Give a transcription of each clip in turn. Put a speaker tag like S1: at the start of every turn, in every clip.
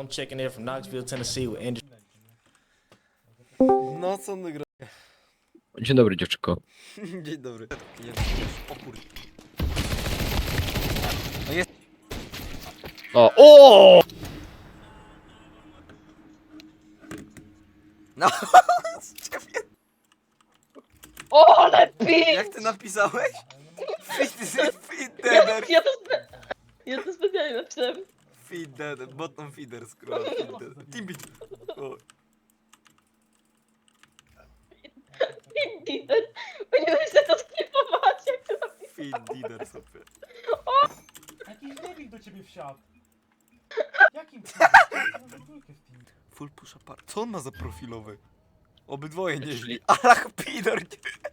S1: I'm checking in from Knoxville, Tennessee with Andrew.
S2: No co on gra?
S3: Dzień dobry, dziewczyko.
S2: Dzień dobry. O kurde. No jest.
S3: O!
S2: No.
S4: O, ale ping!
S2: Jak ty napisałeś?
S4: Ja to specjalnie napisałem.
S2: Feed dead, bottom feeder, scroll, feed dead. Teambeat. O.
S4: Indeed. Powinieneś się to sklipować, jak to napisałem.
S2: Feed deader sobie.
S5: Jakiś debil do ciebie wsiadł. Jakim cudem?
S2: Full push apart. Co on ma za profilowy? Obydwoje nieźli. Alach pidor.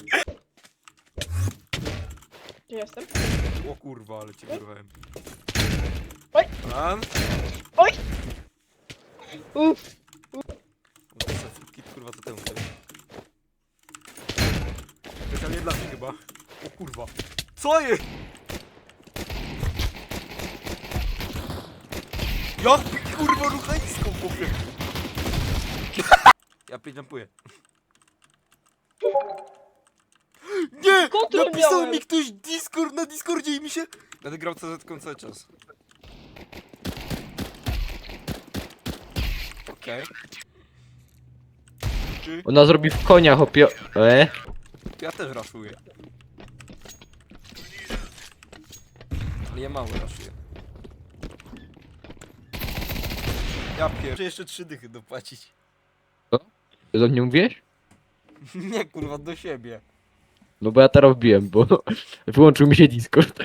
S4: Gdzie jestem?
S2: O kurwa, ale cię wyrwałem.
S4: Oj.
S2: Ran.
S4: Oj! Uff.
S2: Kit kurwa to temu. Specjalnie dla mnie chyba. O kurwa. Co jest? Jak kurwa ruchańską chłopie. Ja jumpuję. Nie!
S4: Kontrol
S2: Napisał
S4: miałem.
S2: mi ktoś Discord na Discordzie i mi się... Będę grał CZ cały czas. Okej. Czy...
S3: Ona zrobi w konia, hopie...
S2: Ja też raszuję. Ale ja mało raszuję. Ja muszę jeszcze 3 dychy dopłacić.
S3: Ty do mnie mówiłeś?
S2: Nie kurwa, do siebie.
S3: No bo ja teraz wbiłem, bo wyłączył mi się Discord.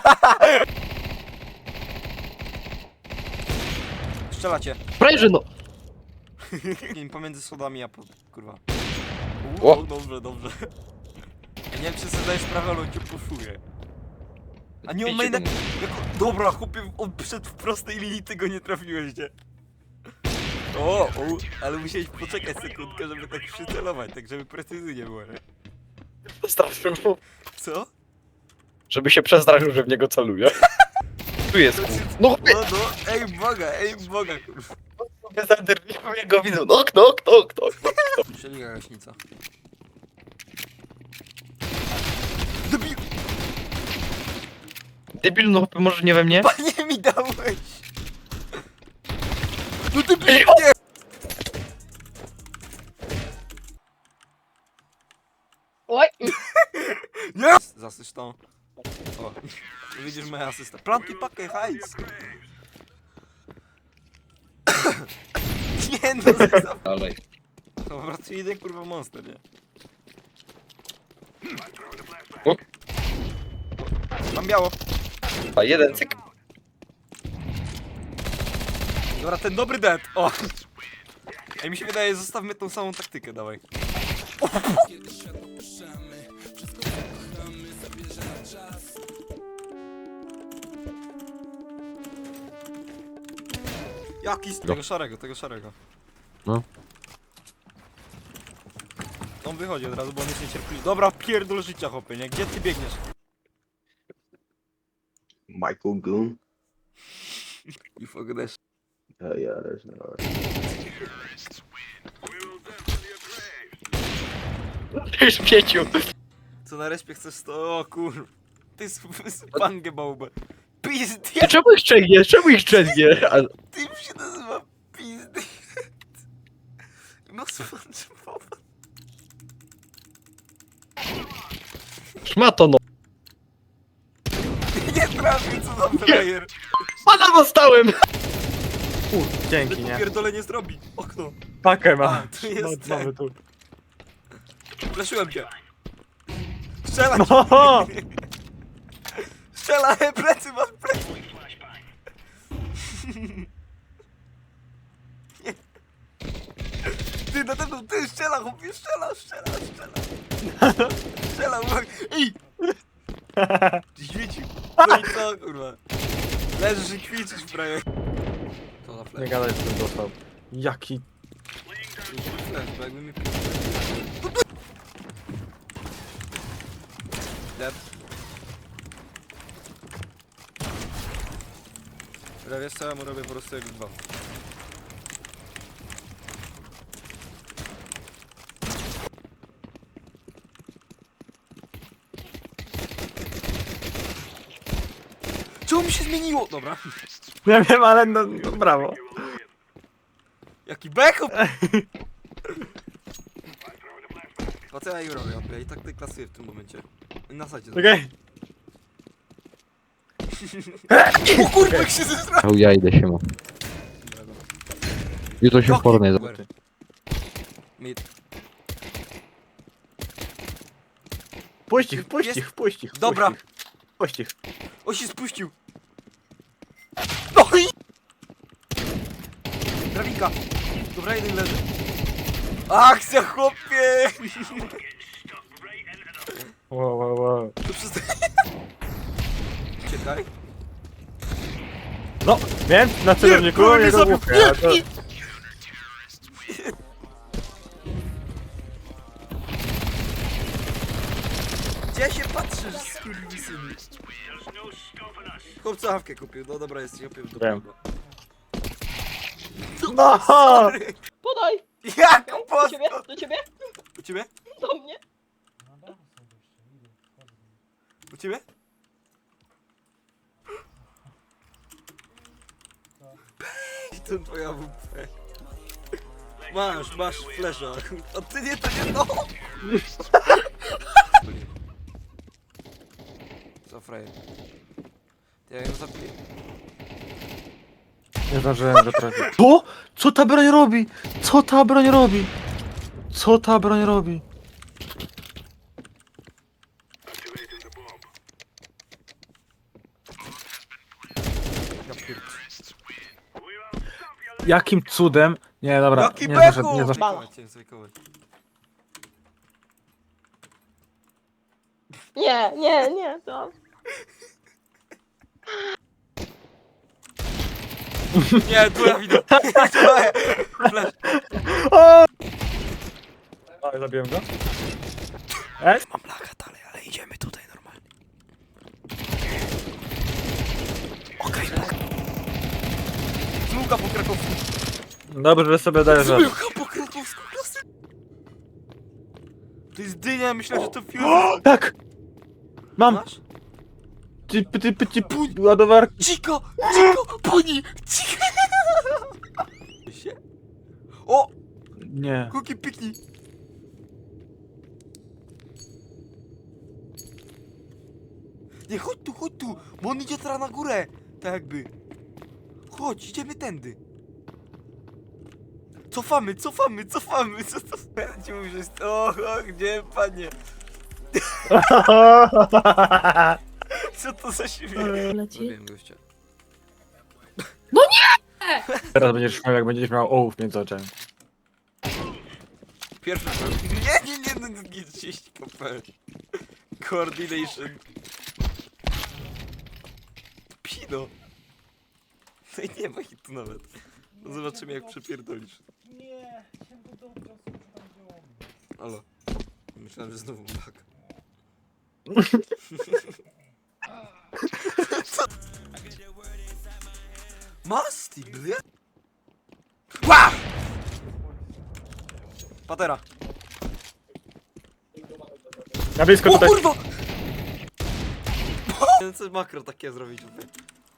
S2: Strzelacie.
S3: Prawie, no!
S2: Pomiędzy schodami a po... kurwa.
S3: O!
S2: Dobrze, dobrze. Ja nie wiem czy sobie zdajesz sprawę, ale on cię poszuje. A nie on ma jednak... Dobra, chłopie, on przyszedł w prostej linii, ty go nie trafiłeś, nie? O, ale musiałeś poczekać sekundkę, żeby tak przycelować, tak żeby precyzyjnie było, nie?
S3: Przestraszył.
S2: Co?
S3: Żeby się przestraszył, że w niego celuje. Tu jest kur... No chłopie!
S2: No, ej boga, kurwa.
S3: Ja go widzę. No, kto?
S2: Przeliga gaśnica. Debil!
S3: Debil, no chłopie, może nie we mnie?
S2: Panie mi dałeś! No debil! Nie!
S4: Oj!
S2: Nie! Zasysz to. O, widzisz moja asysta. Plantuj pakę, hajs! Nie no,
S3: Dalej.
S2: to po prostu jeden kurwa monster, nie?
S3: O.
S2: Mam biało.
S3: A jeden cyk.
S2: Dobra, ten dobry dead. O! Ej, mi się wydaje, zostawmy tą samą taktykę, dawaj. Jaki z tego szarego.
S3: No.
S2: On wychodzi od razu, bo on jest niecierpliwy. Dobra, pierdol życia, chłopie, nie? Gdzie ty biegniesz?
S6: Michael Goon.
S2: You forget.
S6: Hell yeah, there's no.
S3: Śmieciu.
S2: Co na respie chcesz to? O kur... Ty spangę bałbę.
S3: Ty
S2: Pizdy!
S3: czemu ich szczęgniesz? Czemu ich szczęgniesz?
S2: Tym się nazywa pizdy. No SpongeBob.
S3: Szmato, no.
S2: Nie trafi, co za player.
S3: Pana dostałem!
S5: Dzięki, nie?
S2: Pierdolenie zrobi. Okno.
S5: Pakę
S2: A,
S5: ma.
S2: tu jest
S5: Mamy
S2: ten.
S5: tu.
S2: Fleszyłem cię. Strzelaj!
S5: No!
S2: Strzelaj, plecy, masz plecy! Nie. Ty, na pewno, ty, strzela, chłopie, strzela! Strzela, uwaga! Ej! Świecił. No i co, kurwa? Leżysz i kwiczysz, prawie. To na
S5: Nie
S2: flash.
S5: gadaj, z tym dostał. Jaki...
S2: Flash, bo jakby mi... Dead. Dobra, wiesz co, ja mu robię po prostu jak dwa. Czemu mi się zmieniło? Dobra.
S5: Ja wiem, ale no brawo.
S2: Jaki backup! A co ja im robię? Ja i tak deklasuję w tym momencie. Na sadzie.
S5: Okej.
S2: O kurwa, jak się zesra...
S3: O, ja idę się ma. Jutro się w pornie.
S2: Mid.
S5: Puść ich, puść ich, puść ich.
S2: Dobra.
S5: Puść ich.
S2: O, się spuścił! No i... Drabinka! Dobra, jeden leży. Akcja, chłopie!
S5: Wow, wow, wow.
S2: To przestań... Czekaj.
S5: No, więc na celowniku
S2: Nie, nie
S5: jego
S2: zabił.
S5: główkę. a to-
S2: Gdzie się patrzysz, skurwysyny? Chłopca hawkę kupił, no dobra, jest kupił do
S5: Wiem.
S2: tego.
S5: No!
S2: Sorry.
S4: Podaj!
S2: Jak
S4: Do ciebie?
S2: posto?
S4: Do ciebie?
S2: U ciebie?
S4: Do mnie?
S2: U ciebie? I to twoja WP. Masz flesza. A ty nie, to nie no! Co frajer? Ja ją zabiję.
S5: Nie zdążyłem dotrafić. Co? Co ta broń robi? Co ta broń robi? Co ta broń robi?
S2: Ja pierd...
S5: Jakim cudem? Nie, dobra,
S2: Jaki
S5: nie
S2: beku!
S5: zaszedł, nie zaszedł.
S4: Bala.
S2: Chciałem zajkować.
S4: Nie, to...
S2: Nie, tu ja widzę. Flash.
S5: O, zabiłem go.
S2: Mam laga dalej, ale idziemy tutaj normalnie. Okej, tak. Zmułka po krakowsku.
S5: Dobrze, że sobie dajesz radę.
S2: Zmułka po krakowsku, klasy. To jest dynia, myślę, że to fuse.
S5: Tak! Mam!
S2: Masz?
S5: Ty, ładowarki.
S2: Cicho, puni, cicho. Się? O,
S5: Nie.
S2: kuki piknij. Nie, chodź tu, bo on idzie teraz na górę. Tak jakby. Chodź, idziemy tędy. Cofamy. Co to? Ja ci mówię, że jest... O, gdzie, panie? Co to za śmiech?
S4: Leci?
S2: Wiem, gościa.
S5: Teraz będziesz miał, jak będziesz miał ołów między oczami.
S2: Pierwszy rzut. Nie, no, 30 kp. Coordination. Pino. No i nie ma hitu nawet. No zobaczymy jak przepierdolisz.
S5: Nie, chciałem go dobrze, co tam wziąłem.
S2: Halo. Myślałem, że znowu bug. Masti, bля? Ła! Patera.
S5: Na blisko
S2: O
S5: tutaj.
S2: kurwa! Chciałem coś makro takie zrobić tutaj.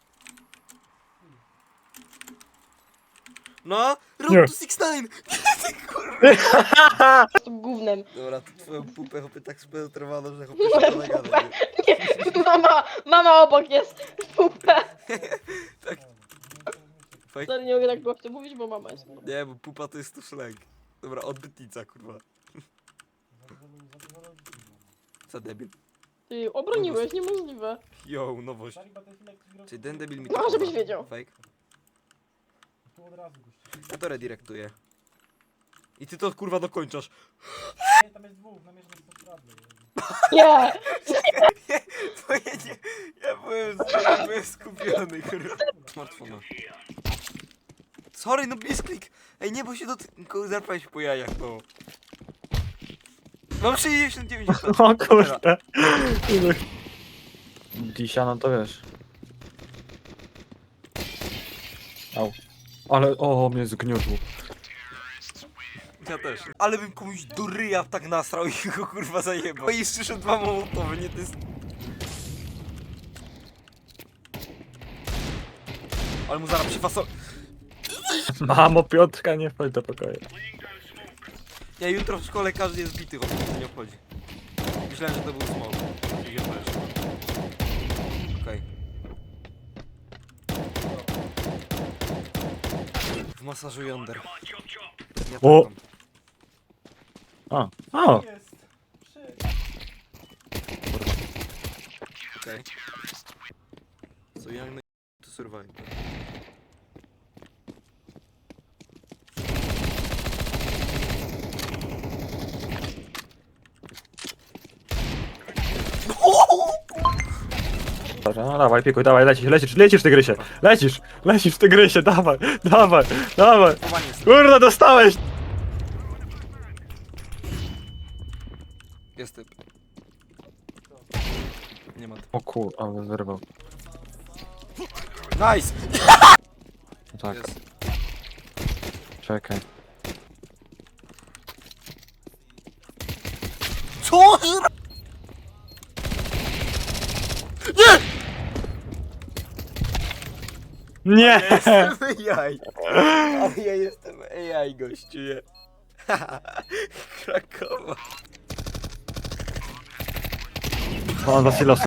S2: No,
S5: Nie.
S2: Road to 69! Ty kurwa!
S4: To gównem.
S2: Dobra, to twoją pupę chopy tak spenetrowano, że chopy się nagada, nie?
S4: Nie, mama obok jest. Pupę.
S2: Tak. Fajnie.
S4: Sorry, nie mogę tak głośno mówić, bo mama jest.
S2: Nie, bo pupa to jest tu slang. Dobra, odbytnica, kurwa. Co debil?
S4: Ty obroniłeś, niemożliwe.
S2: Yo, nowość. Czyli ten debil mi
S4: No,
S2: to
S4: żebyś
S2: kurwa.
S4: wiedział.
S2: Fake. Ja to redirektuję. I ty to kurwa dokończasz.
S4: Nie!
S2: To ja nie... Ja byłem skupiony, kurwa. Smartfona. Sorry, no misklik. Ej, nie, bo się zerpałeś po jajach, no. Mam 69
S5: O kurde. Dzisiaj, no to wiesz. Au. Ale, o, mnie zgniotło.
S2: Ja też. Ale bym komuś do ryja tak nasrał i go kurwa zajebał. I jeszcze 2 mołotowy, nie to jest... Ale mu zaraz przyfasol...
S5: Mamo, Piotrka, nie wchodź do pokoju.
S2: Ja jutro w szkole każdy jest bity, chłopie, to nie obchodzi. Myślałem, że to był smok. Okej. W masażu jąder. Ja
S5: O!
S2: taką.
S5: O!
S2: Okej. So young to survive.
S5: Dobra, no dawaj, pikuj, dawaj, lecisz w tygrysie. Lecisz w tygrysie, dawaj.
S2: Chowanie jest.
S5: Kurde, dostałeś!
S2: Jest typ. Nie ma typu.
S5: O kur, ale wyrwał.
S2: Nice!
S5: Tak,
S2: Jest.
S5: czekaj.
S2: Co?
S5: Nie!
S2: Jestem AI. Ale ja jestem AI, gościu, nie? Krakowa.
S5: On za silos.